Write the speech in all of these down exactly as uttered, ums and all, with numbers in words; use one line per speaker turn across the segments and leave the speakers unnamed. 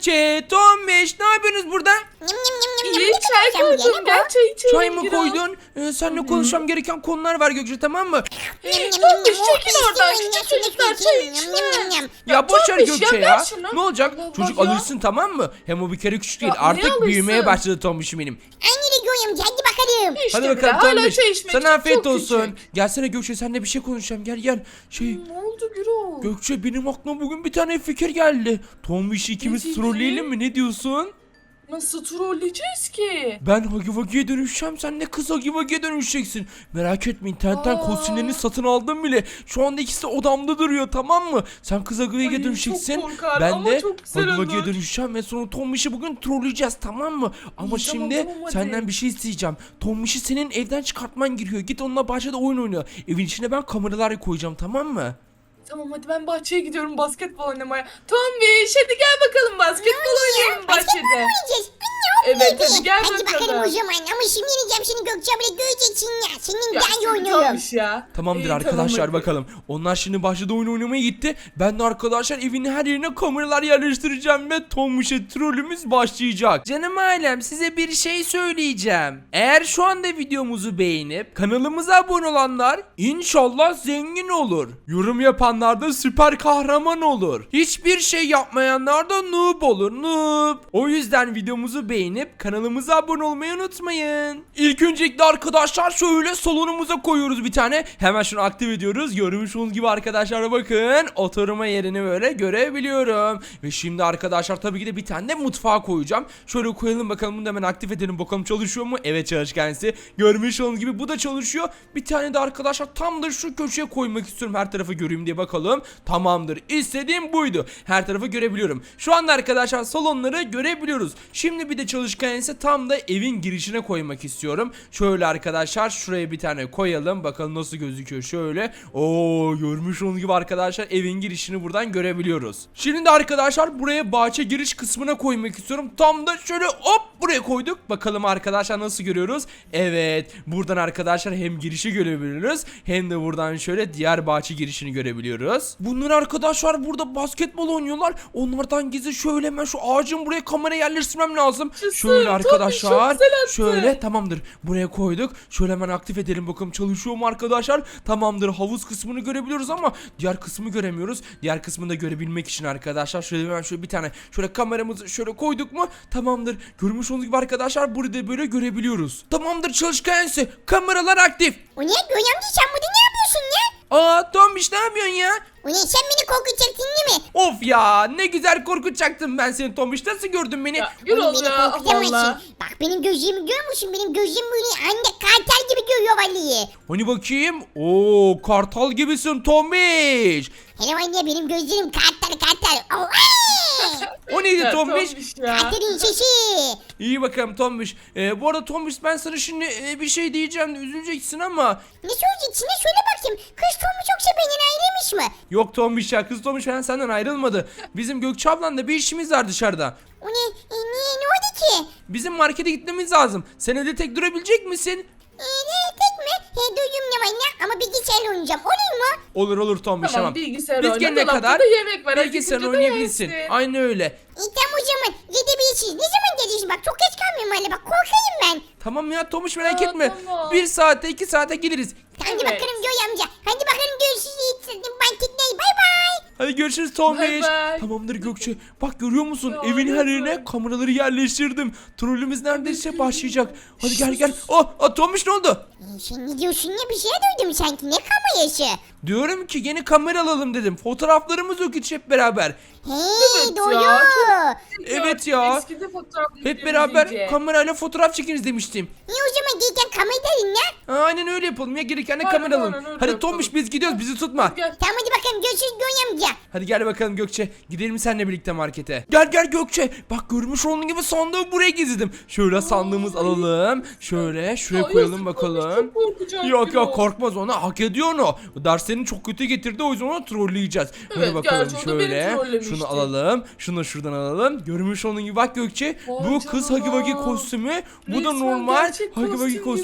Gökçe, Tombiş, ne yapıyorsunuz burada?
Yum, yum, yum, yum,
İyi
yum.
çay
Ne yapacağım
koydum.
buraya, ne
Gel çay içelim.
Çay mı
Gürol.
koydun? Ee, seninle konuşmam gereken konular var Gökçe, tamam mı?
bu? Yum, yum, yum,
Tombiş,
yum.
çekil
Oh,
oradan.
istemem,
Küçük
yum,
çocuklar
yum,
çay
yum,
içme.
yum, yum.
Ya boş ver
Tombiş,
Gökçe
ya
ya.
ver şunu.
Ne olacak?
Allah
Çocuk
Allah ya.
alırsın, tamam mı? Hem o bir kere küçük değil.
Ya niye
Artık
alırsın?
büyümeye başladı Tombiş'im benim.
Aynı Göğüm, hadi bakalım.
İşte
Hadi
bile,
bakalım
hala
Tombiş.
çay içmek
Sana
için
afiyet
çok
olsun.
küçük.
Gelsene Gökçe, seninle bir şey konuşacağım. Gel gel. Şey
Ne oldu Gürol?
Gökçe, benim aklıma bugün bir tane fikir geldi. Tombiş'i ikimiz
fikri?
trolleyelim mi? Ne diyorsun?
Nasıl trolleyeceğiz ki?
Ben Hagi Vagi'ye dönüşeceğim. Sen de kız Hagi Vagi'ye dönüşeceksin. Merak etme, internetten
Aa.
kostümlerini satın aldım bile. Şu anda ikisi de odamda duruyor, tamam mı? Sen kız Hagi Vagi'ye
Ay,
dönüşeceksin.
çok korkar
Ben
ama
de
çok güzel
Hagi Vagi'ye
olur.
dönüşeceğim ve sonra Tombiş'i bugün trolleyeceğiz, tamam mı? Ama
İyi, tamam,
şimdi
tamam, hadi.
senden bir şey isteyeceğim. Tombiş'i senin evden çıkartman gerekiyor. Git onunla bahçede oyun oyna. Evin içine ben kameralar koyacağım, tamam mı?
Tamam hadi ben bahçeye gidiyorum basketbol oynamaya. Tombiş hadi gel bakalım basketbol oynayalım bahçede.
Oynayacağız.
Evet hadi gel
Hadi bakalım o
bakalım.
zaman, ama şimdi yeneceğim seni Gökçe abla, göreceksin ya. Senin
Ya,
daha iyi oynuyorum.
Tombiş ya.
Tamamdır
İyi,
arkadaşlar,
tamam, hadi.
bakalım. Onlar şimdi bahçede oyun oynamaya gitti. Ben de arkadaşlar evin her yerine kameralar yerleştireceğim ve Tombiş'e trollümüz başlayacak. Canım ailem, size bir şey söyleyeceğim. Eğer şu anda videomuzu beğenip kanalımıza abone olanlar inşallah zengin olur. Yorum yapanlar da süper kahraman olur. Hiçbir şey yapmayanlar da noob olur, noob. O yüzden videomuzu beğenip kanalımıza abone olmayı unutmayın. İlk öncelikle arkadaşlar şöyle salonumuza koyuyoruz bir tane. Hemen şunu aktif ediyoruz. Görmüş olduğunuz gibi arkadaşlar, bakın oturma yerini böyle görebiliyorum. Ve şimdi arkadaşlar tabii ki de bir tane de mutfağa koyacağım. Şöyle koyalım bakalım, bunu da hemen aktif edelim bakalım çalışıyor mu? Evet, çalışkansı. Görmüş olduğunuz gibi bu da çalışıyor. Bir tane de arkadaşlar tam da şu köşeye koymak istiyorum, her tarafı göreyim diye bakalım. Tamamdır. İstediğim buydu. Her tarafı görebiliyorum. Şu anda arkadaşlar salonları görebiliyoruz. Şimdi bir de çalışkan ise tam da evin girişine koymak istiyorum. Şöyle arkadaşlar şuraya bir tane koyalım. Bakalım nasıl gözüküyor şöyle. Oo, görmüş olduğunuz gibi arkadaşlar evin girişini buradan görebiliyoruz. Şimdi de arkadaşlar buraya bahçe giriş kısmına koymak istiyorum. Tam da şöyle hop buraya koyduk. Bakalım arkadaşlar nasıl görüyoruz? Evet. Buradan arkadaşlar hem girişi görebiliyoruz hem de buradan şöyle diğer bahçe girişini görebiliyoruz. Bunlar arkadaşlar burada basketbol oynuyorlar. Onlardan gizli şöyle hemen şu ağacın buraya kamera yerleştirmem lazım.
Yaşasın,
Şöyle
Tommy,
arkadaşlar.
çok güzel attı.
Şöyle tamamdır. Buraya koyduk. Şöyle hemen aktif edelim bakalım çalışıyor mu arkadaşlar? Tamamdır. Havuz kısmını görebiliyoruz ama diğer kısmı göremiyoruz. Diğer kısmını da görebilmek için arkadaşlar şöyle hemen şöyle bir tane şöyle kameramızı şöyle koyduk mu? Tamamdır. Görmüş olduğunuz gibi arkadaşlar burada böyle görebiliyoruz. Tamamdır çalışkansı. Kameralar aktif.
O ne Göğüm amca, sen burada ne yapıyorsun ya?
Aa Tombiş, ne yapıyorsun ya?
O ne, sen beni korkutacaksın değil mi?
Of ya, ne güzel korkutacaktım ben seni Tombiş. Nasıl gördün beni?
Ya
Oğlum,
Gürol
beni
ya
korkutamazsın.
valla.
Bak benim gözlerimi görüyor musun? Benim gözlerim böyle anne kartal gibi görüyor vallahi.
Hani bakayım? Oo, kartal gibisin Tombiş.
Hele anne, benim gözlerim kartal kartal. Oh,
O neydi
Ya,
Tombiş?
Tombiş ya.
kartalın sesi.
İyi bakalım Tombiş. Ee, bu arada Tombiş, ben sana şimdi e, bir şey diyeceğim de üzüleceksin ama.
Ne söyleyeceksin? Ne söyle bakayım. Kız Tom'u yoksa benden ayrılmış mı?
Yok Tombiş ya, kız Tombiş falan senden ayrılmadı. Bizim Gökçe ablanla bir işimiz var dışarıda.
O ne? E, niye? Ne oldu ki?
Bizim markete gitmemiz lazım. Sen evde tek durabilecek misin?
E, ne tek mi? He, duydum ne var ne? Ama bilgisayarla oynayacağım. Olur mu?
Olur olur Tombiş,
Tamam,
tamam.
bilgisayar
Biz
oyna,
gelene
dolapta
kadar
da yemek var,
bilgisayar
acıkınca da
oynayabilirsin.
yersin.
Aynı öyle.
E, tamam o zaman. Gidebilirsiniz. Ne zaman geliyorsun? Bak çok geç kalmayayım öyle. Bak korkayım ben.
Tamam ya Tombiş, merak
Aa,
etme.
tamam.
Bir saate iki saate geliriz.
Hadi
Evet.
bakalım Göğe amca. Hadi bakalım görüşürüz. Marketler. Bay bay.
Hadi görüşürüz Tombiş.
Bay bay.
Tamamdır Gökçe. Bak görüyor musun?
Ya,
Evin her yerine
lütfen.
kameraları yerleştirdim. Trollümüz neredeyse
Evet.
başlayacak. Hadi gel gel. Oh, oh Tombiş, ne oldu?
E, sen ne diyorsun ya? Bir şey duydum sanki. Ne kamerası?
Diyorum ki yeni kamera alalım dedim. Fotoğraflarımız yok hiç hep beraber.
He,
Evet
doğru.
ya,
Evet ya.
Eskide fotoğraf
Hep beraber
iyice.
kamerayla fotoğraf çekiniz demiştim.
E, o zaman gelirken kamerayı ne?
Ha, aynen öyle yapalım ya, gereken de
Aynen,
kamera alalım.
aynen öyle
Hadi
yapalım.
Tombiş, biz gidiyoruz, bizi tutma.
Gel.
Tamam hadi bakalım. Görüşürüz Göğe amca.
Hadi gel bakalım Gökçe. Gidelim seninle birlikte markete. Gel gel Gökçe. Bak görmüş olduğun gibi sandığı buraya gizledim. Şöyle sandığımız alalım. Şöyle şuraya
Ay,
koyalım
yazık,
bakalım.
Tombiş çok korkacak
Yok
Gürol.
yok, korkmaz, ona hak ediyor onu. Derslerini çok kötü getirdi, o yüzden onu trolleyeceğiz. Hadi
Evet,
bakalım
gerçi o da beni
şöyle.
trollemişti.
Şunu alalım. Şunu şuradan alalım. Görmüş olduğun gibi bak Gökçe.
Vay
Bu kız
canına.
Hagi Vagi kostümü. Bu da
Resmen
normal
gerçek
Hagi Vagi
kostüm
kostümü.
gibi.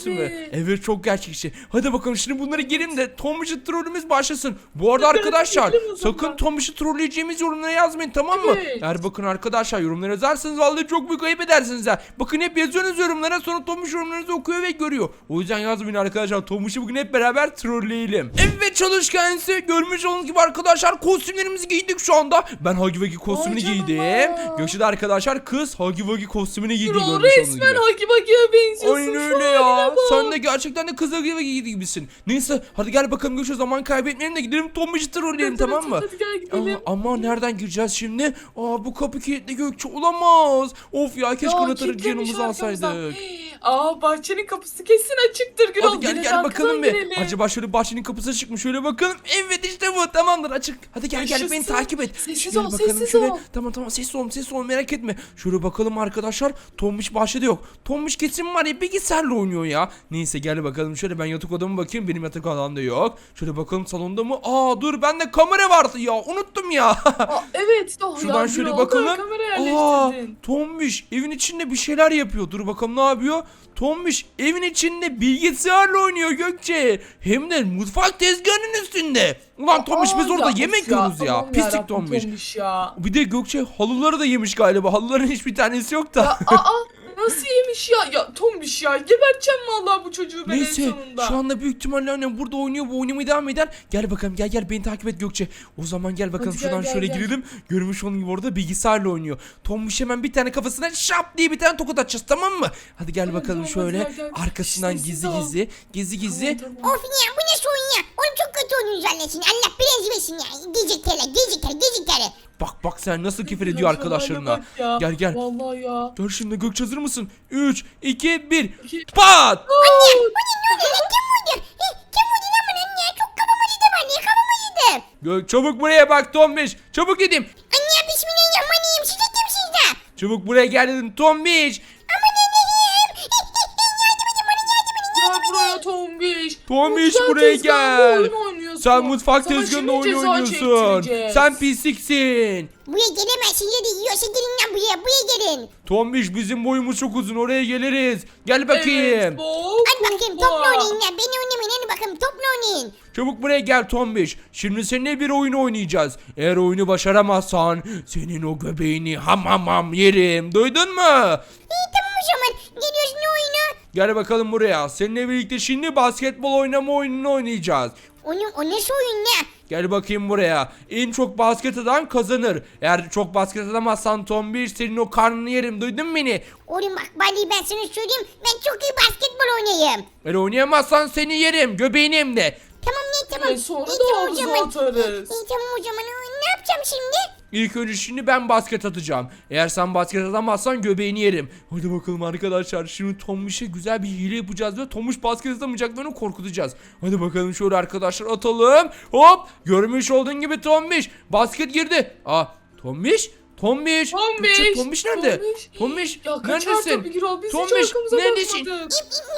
Evet çok gerçekçi. Hadi bakalım şimdi bunları girelim de Tombiş'i trollümüz başlasın. Bu arada
Evet,
arkadaşlar
girelim o zaman.
sakın Tombiş'i trolleyeceğimiz yorumlara yazmayın, tamam mı?
Evet.
Eğer bakın arkadaşlar yorumlara yazarsanız vallahi çok büyük ayıp edersiniz ha. Bakın hep yazıyorsunuz yorumlara, sonra Tombiş yorumlarınızı okuyor ve görüyor. O yüzden yazmayın arkadaşlar. Tombiş'i bugün hep beraber trolleyelim. Evet çalışkan ise görmüş olduğunuz gibi arkadaşlar kostümlerimizi giydik şu anda. Ben Huggy Wuggy kostümünü
Vay
giydim.
canına.
Gökçe de arkadaşlar kız Huggy Wuggy kostümünü giydi,
Gürol
görmüş olduğunuz
resmen
gibi.
Hagi Bagi'ye benziyorsun.
Aynen
Şu
öyle ya.
haline bak.
Sen de gerçekten de kız Huggy Wuggy gibisin. Neyse hadi gel bakalım Gökçe, zaman kaybetmeyelim de gidelim Tombiş'i trolleyelim,
Evet,
tamam
evet,
mı?
hadi gel gidelim.
Aa, ama nereden gireceğiz şimdi? Aa bu kapı kilitli Gökçe, olamaz. Of ya keşke
Ya,
anahtarı
kilitlemiş
yanımıza
arkamızdan.
alsaydık.
Aa bahçenin kapısı kesin açıktır Gürol.
Hadi gel
Gelin
gel
arkadan
bakalım bir.
girelim.
Acaba şöyle bahçenin kapısı çıkmış, şöyle bakalım. Evet işte bu, tamamdır, açık. Hadi gel gel beni
Yaşasın.
takip et.
Sessiz
Şöyle
ol,
bakalım
sessiz
şöyle.
ol.
Tamam tamam sessiz ol sessiz ol, merak etme. Şöyle bakalım arkadaşlar. Tombiş bahçede yok. Tombiş kesin var ya bilgisayarla oynuyor ya. Neyse gel bakalım şöyle, ben yatak odama bakayım. Benim yatak odamda yok. Şöyle bakalım salonda mı? Aa dur, bende kamera vardı ya, unuttum ya.
Aa, evet. Oh,
Şuradan
ya,
şöyle
Gürol,
bakalım.
kamera
Aa,
yerleştirdin.
Tombiş evin içinde bir şeyler yapıyor. Dur bakalım ne yapıyor? Tombiş evin içinde bilgisayarla oynuyor Gökçe. Hem de mutfak tezgahının üstünde. Ulan Tombiş biz
Aa,
orada
ya,
yemek
of
yiyoruz ya.
Allah'ım
Pislik
yarabbim,
Tombiş.
ya.
Bir de Gökçe halıları da yemiş galiba. Halıların hiçbir tanesi yok da.
Ya, aa nasıl yemiş ya? Ya Tombiş ya. Geberteceğim vallahi bu çocuğu ben
Neyse
en sonunda.
şu anda büyük ihtimalle annem burada oynuyor, bu oynamaya devam eder. Gel bakalım, gel gel beni takip et Gökçe. O zaman gel bakalım
Hadi gel,
şuradan
gel,
şöyle
gel.
girelim. Görmüş onun gibi orada bilgisayarla oynuyor. Tombiş hemen bir tane kafasına şap diye bir tane tokat atacağız, tamam mı? Hadi gel
Tamam,
bakalım
tamam, hadi
şöyle
gel, gel.
arkasından
Sessiz
gizli
ol.
gizli gizli gizli.
Tamam, tamam.
Of ya bu ne sorun ya. Oğlum çok kötü oynuyorsun zannetsin. Allah bilenci versin ya. Geciktere geciktere geciktere.
Bak bak sen nasıl küfür
Ya,
ediyor
şu haline
arkadaşlarına.
bak ya.
Gel gel.
Vallahi ya.
Gör şimdi Gökçe, hazır mısın? üç iki bir
İki-
pat!
Aa!
Bu ne ne oluyor lan, kim vurdu? He, kim vurdu lan bana ya? Çok kafam acıdı bana ya, kafam acıdı.
Gök çabuk buraya bak Tombiş. Çabuk gideyim.
Anne bismillahirrahmanirrahim. Siz de kimsiniz de?
Çabuk buraya gel dedim Tombiş.
Aman Allah'ım. Yardım edin bana, yardım edin.
Gel buraya Tombiş.
Tombiş
Mutfak
buraya
tezgahında
gel.
oyun oynuyorsun.
Sen mutfak
Sana
tezgahında
şimdi
oyun
ceza
oynuyorsun.
çektireceğiz.
Sen pisliksin.
Buraya gelemezsin ya da yiyorsa gelin lan buraya. Buraya gelin.
Tombiş bizim boyumuz çok uzun, oraya geliriz. Gel bakayım.
Evet, bok,
Hadi bakayım
bok.
topla oynayın ya. Beni oynamayın, hadi bakayım topla oynayın.
Çabuk buraya gel Tombiş. Şimdi seninle bir oyun oynayacağız. Eğer oyunu başaramazsan senin o göbeğini ham ham ham yerim. Duydun mu?
İyi tamam o zaman. Geliyoruz ne oyunu?
Gel bakalım buraya. Seninle birlikte şimdi basketbol oynama oyununu oynayacağız.
Onu, o nasıl oyun ne?
Gel bakayım buraya. En çok basket atan kazanır. Eğer çok basket atamazsan Tombiş senin o karnını yerim. Duydun mu beni?
Oğlum bak Bali, ben sana söyleyeyim. Ben çok iyi basketbol oynayayım.
Eğer oynayamazsan seni yerim. Göbeğini hem de.
Tamam ne tamam.
Ve sonra
İyi,
da
tamam o
havuza
zaman.
atarız.
İyi tamam o zaman. Ne yapacağım şimdi?
İlk önce şimdi ben basket atacağım. Eğer sen basket atamazsan göbeğini yerim. Hadi bakalım arkadaşlar. Şimdi Tombiş'e güzel bir hile yapacağız ve Tombiş basket atamayacak ve onu korkutacağız. Hadi bakalım şöyle arkadaşlar atalım. Hop! Görmüş olduğun gibi Tombiş. Basket girdi. Aa Tombiş? Tombiş.
Tombiş.
Gökçe, Tombiş nerede?
Tombiş.
Tombiş.
Ya kaçar
Neredesin?
tabii Gürol. Biz hiç
Tombiş
arkamıza
neredesin?
bakmadık.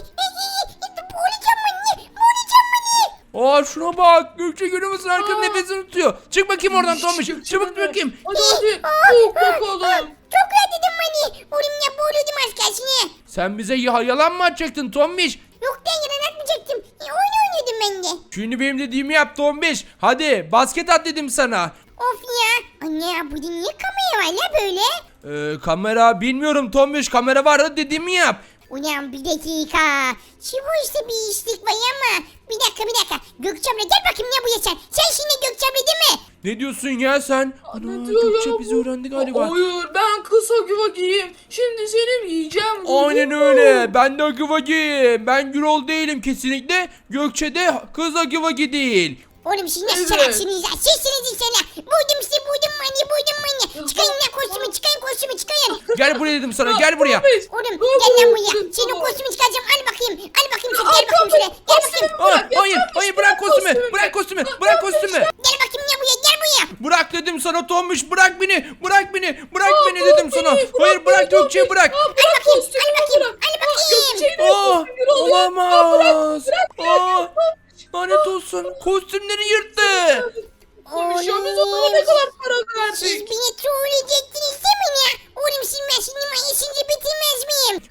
Boğulacağım beni. Boğulacağım beni.
Aa şuna bak. Gökçe görüyor musun? Arkada
Aa.
nefesini tutuyor. Çık bakayım oradan
Şşş,
Tombiş.
Gökçe
Çabuk
gelme.
bakayım.
Hadi hadi. Bok bakalım.
Çok rahatladım beni. Oğlum ya boğuluyordum az kalsın.
Sen bize ya yalan mı atacaktın Tombiş?
Yok ben yalan atmayacaktım. E, oyun oynuyordum ben de.
Şimdi benim dediğimi yap Tombiş. Hadi basket at dedim sana.
Of ya. Anne ya burada niye kamera var la böyle?
Ee, kamera bilmiyorum Tombiş, kamera var da dediğimi yap.
Ulan bir dakika. Şu bu işte bir işlik var ama. Bir dakika bir dakika. Gökçem'le gel bakayım ne bu ya sen. Sen şimdi Gökçem'le değil mi?
Ne diyorsun ya sen? Ana
Ne diyor
Gökçe
ya
bizi
bu?
öğrendi galiba.
Hayır ben kısa güva giyeyim. Şimdi seni yiyeceğim.
Aynen
duydun mu?
öyle. Ben de Akıvagi. Ben Gürol değilim kesinlikle. Gökçe de kız Akıvagi değil.
Oğlum siz nasıl
Evet.
salaksınız ya? Sizsiniz inşallah. Buydum sizi buydum mani buydum mani. Çıkayın lan kostümü çıkayın kostümü çıkayın.
Gel buraya dedim sana, gel buraya.
Tombiş.
Oğlum
Ne
gel lan
bu?
buraya. Senin o
Tamam.
kostümü çıkaracağım. Al bakayım. Al bakayım sen
Al,
gel bakayım şuraya. Gel
kostümü
bakayım.
Aa,
bırak ya,
hayır,
Tombiş,
hayır bırak kostümü.
kostümü.
Bırak kostümü. Bırak kostümü.
Gel bakayım ya buraya gel buraya.
Bırak dedim sana Tombiş, bırak beni. Bırak beni. Bırak
Aa,
beni dedim
bırak
sana.
beni,
Hayır
bırak
bırak
beni,
Gökçe'yi
Tombiş.
bırak.
Aa, bırak
bakayım,
kostümü,
al bakayım,
bırak.
al
Aa,
bakayım.
Gökçe'yi de
Aa,
kostümü Gürol ya. Aa,
olamaz.
bırak, bırak,
Aa, lanet olsun. Kostümleri yırttı.
Tombiş ya biz ona ne kadar para
Siz
verdik?
beni trolleyecektiniz değil mi ya? Oğlum siz ben şimdi mayısınca bitirmez miyim?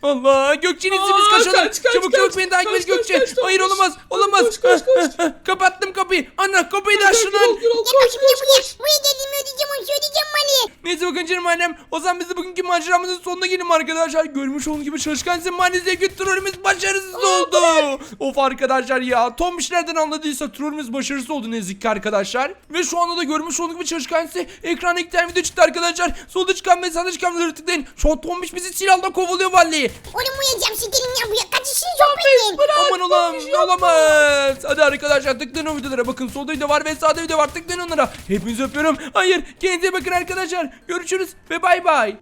Allah, Gökçe'nin
Aa,
biz kaçalım.
kaç, kaç,
çabuk
kaç.
çabuk beni takip
Kaç,
et Gökçe.
kaç, kaç,
Hayır
Tomuş.
olamaz
Koş,
olamaz.
koş, koş, koş.
Kapattım kapıyı. Ana kapıyı da aç
Gürol,
şunun.
Gürol,
Gel
koş,
bakayım ne
koş,
buraya.
koş.
Buraya geldiğimi ödeyeceğim onu söyleyeceğim bana.
Neyse bakın canım annem. O zaman biz de bugünkü maceramızın sonuna gelelim arkadaşlar. Görmüş olduğunuz gibi çalışkan maalesef trollümüz başarısız oldu. Of arkadaşlar ya. Tombiş nereden anladıysa trollümüz başarısız oldu ne yazık ki arkadaşlar. Ve şu anda da görmüş olduğunuz gibi çalışkan size ekrana iki tane video çıktı arkadaşlar. Solda çıkan ve sağda çıkan videoları tıklayın. Şu an Tombiş bizi silahla kovalıyor vallahi.
Oğlum uyuyacağım siz gelin ya buraya. Kaç işiniz
Tombiş
sohbetin.
bırak.
Aman olam
Tombiş yapma.
olamaz. Hadi arkadaşlar tıklayın o videolara. Bakın solda video var ve sağda video var. Tıklayın onlara. Hepinizi öpüyorum. Hayır kendinize bakın arkadaşlar. Görüşürüz ve bay bay.